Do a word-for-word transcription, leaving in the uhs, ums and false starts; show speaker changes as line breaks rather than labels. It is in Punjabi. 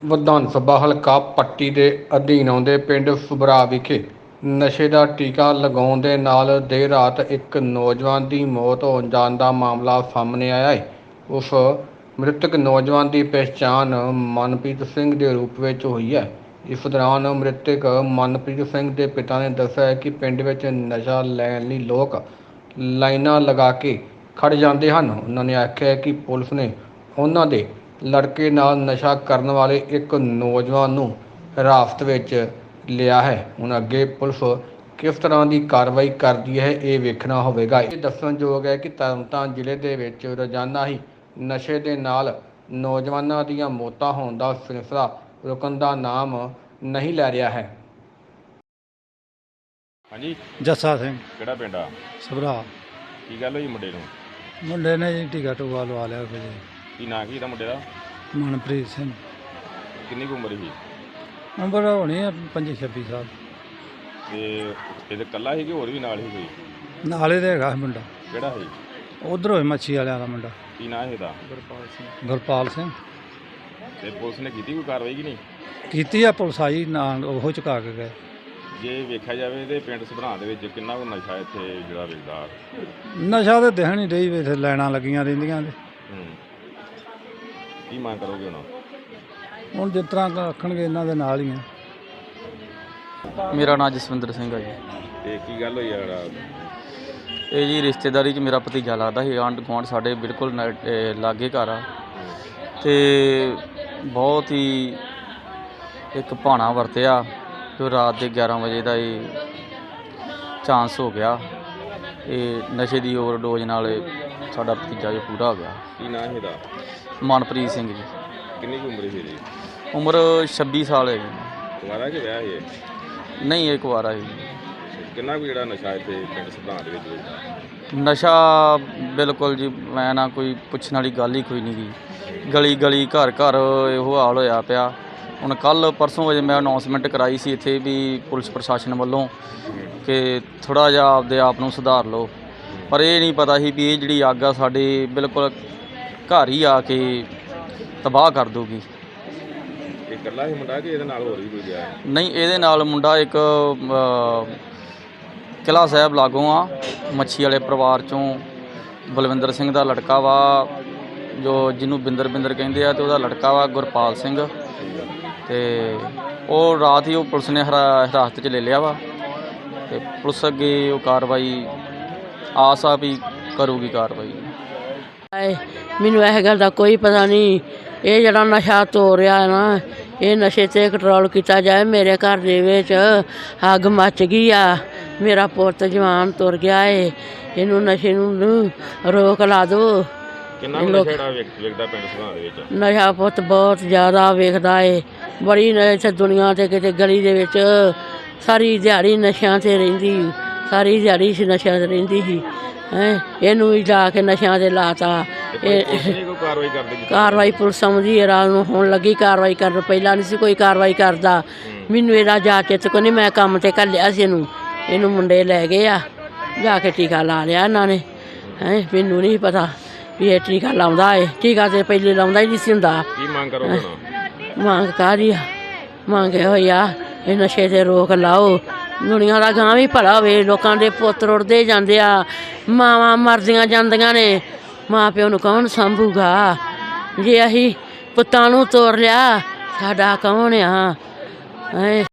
ਵਿਧਾਨ ਸਭਾ ਹਲਕਾ ਪੱਟੀ ਦੇ ਅਧੀਨ ਆਉਂਦੇ ਪਿੰਡ ਸੁਭਰਾ ਵਿਖੇ ਨਸ਼ੇ ਦਾ ਟੀਕਾ ਲਗਾਉਣ ਦੇ ਨਾਲ ਦੇਰ ਰਾਤ ਇੱਕ ਨੌਜਵਾਨ ਦੀ ਮੌਤ ਹੋ ਜਾਣ ਦਾ ਮਾਮਲਾ ਸਾਹਮਣੇ ਆਇਆ ਹੈ। ਉਸ ਮ੍ਰਿਤਕ ਨੌਜਵਾਨ ਦੀ ਪਛਾਣ ਮਨਪ੍ਰੀਤ ਸਿੰਘ ਦੇ ਰੂਪ ਵਿੱਚ ਹੋਈ ਹੈ। ਇਸ ਦੌਰਾਨ ਮ੍ਰਿਤਕ ਮਨਪ੍ਰੀਤ ਸਿੰਘ ਦੇ ਪਿਤਾ ਨੇ ਦੱਸਿਆ ਹੈ ਕਿ ਪਿੰਡ ਵਿੱਚ ਨਸ਼ਾ ਲੈਣ ਲਈ ਲੋਕ ਲਾਈਨਾਂ ਲਗਾ ਕੇ ਖੜ੍ਹ ਜਾਂਦੇ ਹਨ। ਉਹਨਾਂ ਨੇ ਆਖਿਆ ਕਿ ਪੁਲਿਸ ਨੇ ਉਹਨਾਂ ਦੇ ਲੜਕੇ ਨਾਲ ਨਸ਼ਾ ਕਰਨ ਵਾਲੇ ਇੱਕ ਨੌਜਵਾਨ ਨੂੰ ਹਿਰਾਸਤ ਵਿੱਚ ਲਿਆ ਹੈ। ਹੁਣ ਅੱਗੇ ਪੁਲਿਸ ਕਿਸ ਤਰ੍ਹਾਂ ਦੀ ਕਾਰਵਾਈ ਕਰਦੀ ਹੈ ਇਹ ਵੇਖਣਾ ਹੋਵੇਗਾ। ਇਹ ਦੱਸਣਯੋਗ ਹੈ ਕਿ ਤਰਨਤਾਰਨ ਜ਼ਿਲ੍ਹੇ ਦੇ ਵਿੱਚ ਰੋਜ਼ਾਨਾ ਹੀ ਨਸ਼ੇ ਦੇ ਨਾਲ ਨੌਜਵਾਨਾਂ ਦੀਆਂ ਮੌਤਾਂ ਹੋਣ ਦਾ ਸਿਲਸਿਲਾ ਰੁਕਣ ਦਾ ਨਾਮ ਨਹੀਂ ਲੈ ਰਿਹਾ ਹੈ।
ਹਾਂਜੀ,
ਜੱਸਾ ਸਿੰਘ
ਕਿਹੜਾ ਪਿੰਡ ਆ?
ਸਭਰਾ।
ਕੀ ਗੱਲ ਹੋਈ ਮੁੰਡੇ ਨੂੰ?
ਮੁੰਡੇ ਨੇ ਜੀ ਟੀਕਾ ਟੂਕਾ ਲਵਾ ਲਿਆ ਫਿਰ।
ਕੀ ਨਾਂ ਕੀ ਇਹਦਾ ਮੁੰਡੇ ਦਾ?
ਮਨਪ੍ਰੀਤ ਸਿੰਘ।
ਕਿੰਨੀ ਕੁ ਉਮਰ ਸੀ?
ਉਮਰ ਹੋਣੀ ਆ ਪੰਜੀ ਛੱਬੀ ਸਾਲ।
ਤੇ ਇਹਦੇ ਇਕੱਲਾ ਸੀ ਕਿ ਹੋਰ ਵੀ ਨਾਲ ਹੀ ਕੋਈ?
ਨਾਲੇ ਦੇ ਹੈਗਾ ਮੁੰਡਾ।
ਕਿਹੜਾ ਸੀ?
ਉਧਰੋਂ ਹੀ ਮੱਛੀ ਵਾਲਿਆਂ ਦਾ ਮੁੰਡਾ।
ਕੀ ਨਾਂ ਸੀ ਇਹਦਾ?
ਗੁਰਪਾਲ ਸਿੰਘ। ਗੁਰਪਾਲ ਸਿੰਘ।
ਤੇ ਪੁਲਿਸ ਨੇ ਕੀਤੀ ਕੋਈ ਕਾਰਵਾਈ ਕਿ ਨਹੀਂ?
ਕੀਤੀ ਆ, ਪੁਲਿਸ ਆਈ ਨਾਲ ਉਹ ਚੁਕਾ ਕੇ ਗਏ।
ਜੇ ਵੇਖਿਆ ਜਾਵੇ ਤੇ ਪਿੰਡ ਸਭਰਾ ਦੇ ਵਿੱਚ ਕਿੰਨਾ ਕੁ ਨਸ਼ਾ ਇੱਥੇ ਜਿਹੜਾ ਵੇਚਦਾ?
ਨਸ਼ਾ ਤਾਂ ਦਿਖਣ ਹੀ ਡਈ ਵੀ ਇੱਥੇ ਲਾਈਨਾਂ ਲੱਗੀਆਂ ਰਹਿੰਦੀਆਂ ਨੇ।
ਹੂੰ, ਕੀ ਮੰਗ ਕਰੋਗੇ ਹੁਣ?
ਹੁਣ ਜਿਸ ਤਰ੍ਹਾਂ ਰੱਖਣਗੇ ਇਹਨਾਂ ਦੇ ਨਾਲ ਹੀ ਆ।
ਮੇਰਾ ਨਾਮ ਜਸਵਿੰਦਰ ਸਿੰਘ ਹੈ ਜੀ।
ਤੇ ਕੀ ਗੱਲ ਹੋਈ ਆ? ਜਿਹੜਾ
ਇਹ ਜੀ ਰਿਸ਼ਤੇਦਾਰੀ 'ਚ ਮੇਰਾ ਭਤੀਜਾ ਲੱਗਦਾ ਸੀ। ਆਂਢ ਗੁਆਂਢ ਸਾਡੇ ਬਿਲਕੁਲ ਨਾ- ਇਹ ਲਾਗੇ ਘਰ ਆ। ਅਤੇ ਬਹੁਤ ਹੀ ਇੱਕ ਭਾਣਾ ਵਰਤਿਆ ਜੋ ਰਾਤ ਦੇ ਗਿਆਰਾਂ ਵਜੇ ਦਾ ਇਹ ਚਾਂਸ ਹੋ ਗਿਆ। ਇਹ ਨਸ਼ੇ ਦੀ ਓਵਰਡੋਜ਼ ਨਾਲ ਇਹ ਸਾਡਾ ਭਤੀਜਾ ਜੋ ਪੂਰਾ ਹੋ ਗਿਆ।
ਕੀ ਨਾਂ ਸੀ ਇਹਦਾ?
ਮਨਪ੍ਰੀਤ ਸਿੰਘ ਜੀ।
ਕਿੰਨੀ ਕੁ ਉਮਰ ਸੀ ਇਹਦੀ?
ਉਮਰ ਛੱਬੀ ਸਾਲ ਹੈ ਜੀ।
ਕੁਆਰਾ ਕਿ ਵਿਆਹ ਸੀ ਇਹ?
ਨਹੀਂ, ਇਹ ਕੁਆਰਾ ਜੀ।
ਕਿੰਨਾ ਕੁ ਜਿਹੜਾ ਨਸ਼ਾ ਇੱਥੇ ਪਿੰਡ ਸਭਰਾ ਦੇ ਵਿੱਚ ਵੇਚਦਾ?
ਨਸ਼ਾ ਬਿਲਕੁਲ ਜੀ, ਮੈਂ ਨਾ ਕੋਈ ਪੁੱਛਣ ਵਾਲੀ ਗੱਲ ਹੀ ਕੋਈ ਨਹੀਂ ਗੀ। ਗਲੀ ਗਲੀ ਘਰ ਘਰ ਇਹੋ ਹਾਲ ਹੋਇਆ ਪਿਆ। ਹੁਣ ਕੱਲ੍ਹ ਪਰਸੋਂ ਵਜੇ ਮੈਂ ਅਨਾਊਂਸਮੈਂਟ ਕਰਾਈ ਸੀ ਇੱਥੇ ਵੀ ਪੁਲਿਸ ਪ੍ਰਸ਼ਾਸਨ ਵੱਲੋਂ ਕਿ ਥੋੜ੍ਹਾ ਜਿਹਾ ਆਪਦੇ ਆਪ ਨੂੰ ਸੁਧਾਰ ਲਓ, ਪਰ ਇਹ ਨਹੀਂ ਪਤਾ ਸੀ ਵੀ ਇਹ ਜਿਹੜੀ ਅੱਗ ਆ ਸਾਡੇ ਬਿਲਕੁਲ ਘਰ ਹੀ ਆ ਕੇ ਤਬਾਹ ਕਰ ਦੂਗੀ।
ਇਹ ਇਕੱਲਾ ਹੀ ਮੁੰਡਾ ਕਿ ਇਹਦੇ ਨਾਲ ਹੋਰ ਵੀ ਕੋਈ ਗਿਆ?
ਨਹੀਂ, ਇਹਦੇ ਨਾਲ ਮੁੰਡਾ ਇੱਕ ਅ, ਕਿਲ੍ਹਾ ਸਾਹਿਬ ਲਾਗੋਂ ਆ, ਮੱਛੀ ਵਾਲੇ ਪਰਿਵਾਰ 'ਚੋਂ ਬਲਵਿੰਦਰ ਸਿੰਘ ਦਾ ਲੜਕਾ ਵਾ, ਜੋ ਜਿਹਨੂੰ ਬਿੰਦਰ ਬਿੰਦਰ ਕਹਿੰਦੇ ਆ, ਅਤੇ ਉਹਦਾ ਲੜਕਾ ਵਾ ਗੁਰਪਾਲ ਸਿੰਘ। ਅਤੇ ਉਹ ਰਾਤ ਹੀ ਉਹ ਪੁਲਿਸ ਨੇ ਹਰਾ ਹਿਰਾਸਤ 'ਚ ਲੈ ਲਿਆ ਵਾ, ਅਤੇ ਪੁਲਿਸ ਅੱਗੇ ਉਹ ਕਾਰਵਾਈ ਆਸ ਆ ਵੀ ਕਰੂਗੀ ਕਾਰਵਾਈ।
ਮੈਨੂੰ ਇਹ ਗੱਲ ਦਾ ਕੋਈ ਪਤਾ ਨਹੀਂ। ਇਹ ਜਿਹੜਾ ਨਸ਼ਾ ਤੋੜ ਰਿਹਾ ਹੈ ਨਾ, ਇਹ ਨਸ਼ੇ 'ਤੇ ਕੰਟਰੋਲ ਕੀਤਾ ਜਾਏ। ਮੇਰੇ ਘਰ ਦੇ ਵਿੱਚ ਅੱਗ ਮੱਚ ਗਈ ਆ। ਮੇਰਾ ਪੁੱਤ ਜਵਾਨ ਤੁਰ ਗਿਆ ਏ। ਇਹਨੂੰ ਨਸ਼ੇ ਨੂੰ ਰੋਕ ਲਾ ਦਿਓ।
ਕਿੰਨਾ ਕੁ ਨਸ਼ਾ ਜਿਹੜਾ ਵੇਖ ਵੇਖਦਾ ਪਿੰਡ ਸਭਰਾ ਦੇ ਵਿੱਚ?
ਨਸ਼ਾ ਪੁੱਤ ਬਹੁਤ ਜ਼ਿਆਦਾ ਵੇਖਦਾ ਏ। ਬੜੀ ਇੱਥੇ ਦੁਨੀਆ 'ਤੇ ਕਿਤੇ ਗਲੀ ਦੇ ਵਿੱਚ ਸਾਰੀ ਦਿਹਾੜੀ ਨਸ਼ਿਆਂ 'ਤੇ ਰਹਿੰਦੀ, ਸਾਰੀ ਦਿਹਾੜੀ ਸੀ ਨਸ਼ਿਆਂ 'ਤੇ ਰਹਿੰਦੀ ਸੀ। ਹੈਂ, ਇਹਨੂੰ ਵੀ ਜਾ ਕੇ ਨਸ਼ਿਆਂ 'ਤੇ ਲਾਤਾ। ਇਹ
ਕਾਰਵਾਈ ਕਰਦੇ?
ਕਾਰਵਾਈ ਪੁਲਿਸ ਸਮਝਦੀ ਹੈ ਰਾਤ ਨੂੰ ਹੁਣ ਲੱਗੀ ਕਾਰਵਾਈ ਕਰਨ। ਪਹਿਲਾਂ ਨਹੀਂ ਸੀ ਕੋਈ ਕਾਰਵਾਈ ਕਰਦਾ। ਮੈਨੂੰ ਇਹਦਾ ਜਾ ਕੇ ਤੇ ਨਹੀਂ, ਮੈਂ ਕੰਮ 'ਤੇ ਘੱਲਿਆ ਸੀ ਇਹਨੂੰ। ਇਹਨੂੰ ਮੁੰਡੇ ਲੈ ਗਏ ਆ, ਜਾ ਕੇ ਟੀਕਾ ਲਾ ਲਿਆ ਇਹਨਾਂ ਨੇ। ਹੈਂ, ਮੈਨੂੰ ਨਹੀਂ ਪਤਾ ਵੀ ਇਹ ਟੀਕਾ ਲਾਉਂਦਾ ਏ। ਟੀਕਾ ਤਾਂ ਪਹਿਲੇ ਲਾਉਂਦਾ ਹੀ ਨਹੀਂ ਸੀ ਹੁੰਦਾ।
ਕੀ ਮੰਗ ਕਰੋਗੇ?
ਮੰਗ ਕਾਹਦੀ ਆ? ਮੰਗੇ ਹੋਈ ਆ ਇਹ ਨਸ਼ੇ 'ਤੇ ਰੋਕ ਲਾਓ। ਦੁਨੀਆ ਦਾ ਗਾਂ ਵੀ ਭਲਾ ਹੋਵੇ। ਲੋਕਾਂ ਦੇ ਪੁੱਤ ਰੁੜਦੇ ਜਾਂਦੇ ਆ, ਮਾਵਾਂ ਮਰਦੀਆਂ ਜਾਂਦੀਆਂ ਨੇ, ਮਾਂ ਪਿਓ ਨੂੰ ਕੌਣ ਸਾਂਭੂਗਾ? ਜੇ ਅਸੀਂ ਪੁੱਤਾਂ ਨੂੰ ਤੋੜ ਲਿਆ, ਸਾਡਾ ਕੌਣ ਆ? ਹੈਂ।